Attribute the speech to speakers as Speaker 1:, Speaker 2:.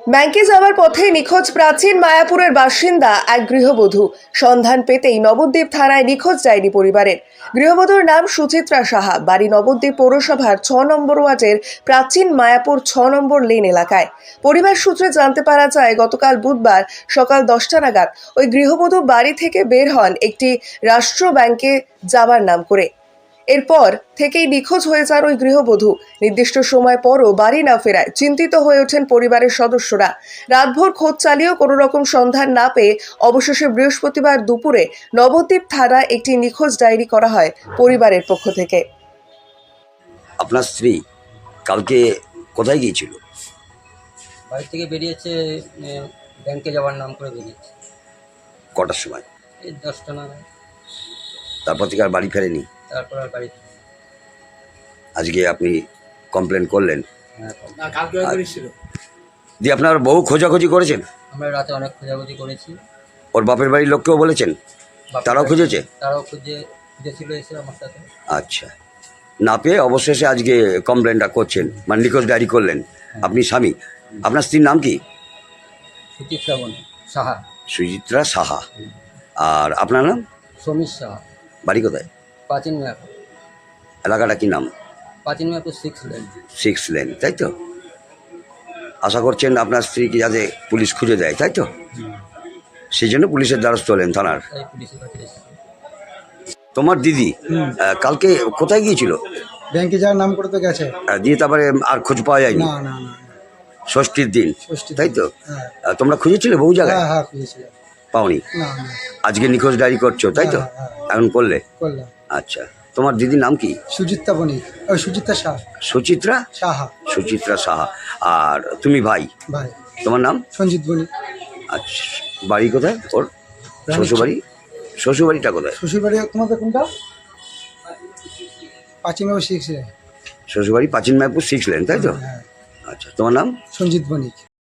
Speaker 1: ব্যাংকে যাওয়ার পথে নিখোঁজ প্রাচীন মায়াপুরের বাসিন্দা এক গৃহবধূ। সন্ধান পেতেই নবদ্বীপ থানায় নিখোঁজ ডায়েরি পরিবারের। গৃহবধূর নাম সুচিত্রা সাহা, বাড়ি নবদ্বীপ পৌরসভার ৬ নম্বর ওয়ার্ডের প্রাচীন মায়াপুর ৬ নম্বর লেন এলাকায়। পরিবার সূত্রে জানতে পারা যায়, গতকাল বুধবার সকাল 10টা নাগাদ ওই গৃহবধূ বাড়ি থেকে বের হন একটি রাষ্ট্র ব্যাংকে যাবার নাম করে। এরপর থেকেই নিখোঁজ হয়ে যান ওই গৃহবধূ। নির্দিষ্ট সময় পরও বাড়ি না ফেরায় চিন্তিত হয়ে ওঠেন পরিবারের সদস্যরা। রাতভর খোঁজ চালিয়েও কোনো রকম সন্ধান না পেয়ে অবশেষে বৃহস্পতিবার দুপুরে নবদ্বীপ থানায় একটি নিখোঁজ ডায়েরি করা হয় পরিবারের পক্ষ থেকে।
Speaker 2: আপনার স্ত্রী কালকে কোথায় গিয়েছিল?
Speaker 3: বাড়ি থেকে বেরিয়েছে, ব্যাংকে যাওয়ার নাম করে বেরিয়েছে
Speaker 2: কটার সময়?
Speaker 3: এই 10টা নাগাদ।
Speaker 2: তারপর থেকে আর বাড়ি ফেরেনি?
Speaker 3: তারপর আর বাড়ি
Speaker 2: আজকে আপনি কমপ্লেন করলেন,
Speaker 3: হ্যাঁ,
Speaker 2: দিয়ে আপনার বহু খোঁজাখুঁজি করেছেন?
Speaker 3: আমরা রাতে অনেক খোঁজাখুঁজি করেছি।
Speaker 2: ওর বাপের বাড়ির লোককেও বলেছেন?
Speaker 3: বাপের
Speaker 2: তারাও
Speaker 3: বাড়ি-
Speaker 2: খুঁজেছে?
Speaker 3: তারাও খুঁজেছিল এসে আমার সাথে।
Speaker 2: আচ্ছা, না পেয়ে অবশেষে আজকে কমপ্লেনটা করছেন, মানে নিখোঁজ ডায়েরি করলেন। আপনি স্বামী, আপনার স্ত্রীর নাম কি?
Speaker 3: সুচিত্রা সাহা।
Speaker 2: সুচিত্রা সাহা। আর আপনার নাম?
Speaker 3: সমীর সাহা।
Speaker 2: বাড়ি কোথায়?
Speaker 3: প্রাচীন মায়াপুর।
Speaker 2: এলাকাটা কি নাম?
Speaker 3: প্রাচীন মায়াপুর 6 লেন।
Speaker 2: 6 লেন, তাই তো? আশা করছেন আপনার স্ত্রীকে যাতে পুলিশ খুঁজে দেয়, তাই তো? সেই জন্য পুলিশের দ্বারস্থ হলেন থানার।
Speaker 3: তাই পুলিশের কাছে এসেছি।
Speaker 2: তোমার দিদি কালকে কোথায় গিয়েছিল?
Speaker 4: ব্যাংকে যাওয়ার নাম করে তো গেছে।
Speaker 2: দিয়ে তারপরে আর খোঁজ পাওয়া যায়নি?
Speaker 4: না না না,
Speaker 2: ষষ্ঠীর দিন,
Speaker 4: ষষ্ঠীর
Speaker 2: তাই তো?
Speaker 4: হ্যাঁ
Speaker 2: তোমরা খুঁজেছিলে বহু জায়গায়,
Speaker 4: হ্যাঁ হ্যাঁ খুঁজেছিলাম।
Speaker 2: পাওনি?
Speaker 4: না না,
Speaker 2: আজকে নিখোঁজ ডায়েরি করছো, তাই তো?
Speaker 4: হ্যাঁ, হ্যাঁ।
Speaker 2: এখন করলে?
Speaker 4: করলাম।
Speaker 2: আচ্ছা, তোমার দিদির নাম কি?
Speaker 4: সুচিত্রা বণিক, ওই সুচিত্রা শাহ
Speaker 2: সুচিত্রা
Speaker 4: সাহা।
Speaker 2: সুচিত্রা সাহা। আর তুমি ভাই,
Speaker 4: ভাই
Speaker 2: তোমার নাম?
Speaker 4: সঞ্জিত বণিক।
Speaker 2: আচ্ছা, বাড়ি কোথায় ওর? শ্বশুরবাড়ি? শ্বশুরবাড়িটা কোথায়?
Speaker 4: শ্বশুরবাড়ি তোমাদের কোনটা? পাঁচিমাও শিখছে।
Speaker 2: শ্বশুরবাড়ি প্রাচীন মায়াপুর 6 লেন, তাই তো?
Speaker 4: হ্যাঁ,
Speaker 2: আচ্ছা, তোমার নাম?
Speaker 4: সঞ্জিত বণিক।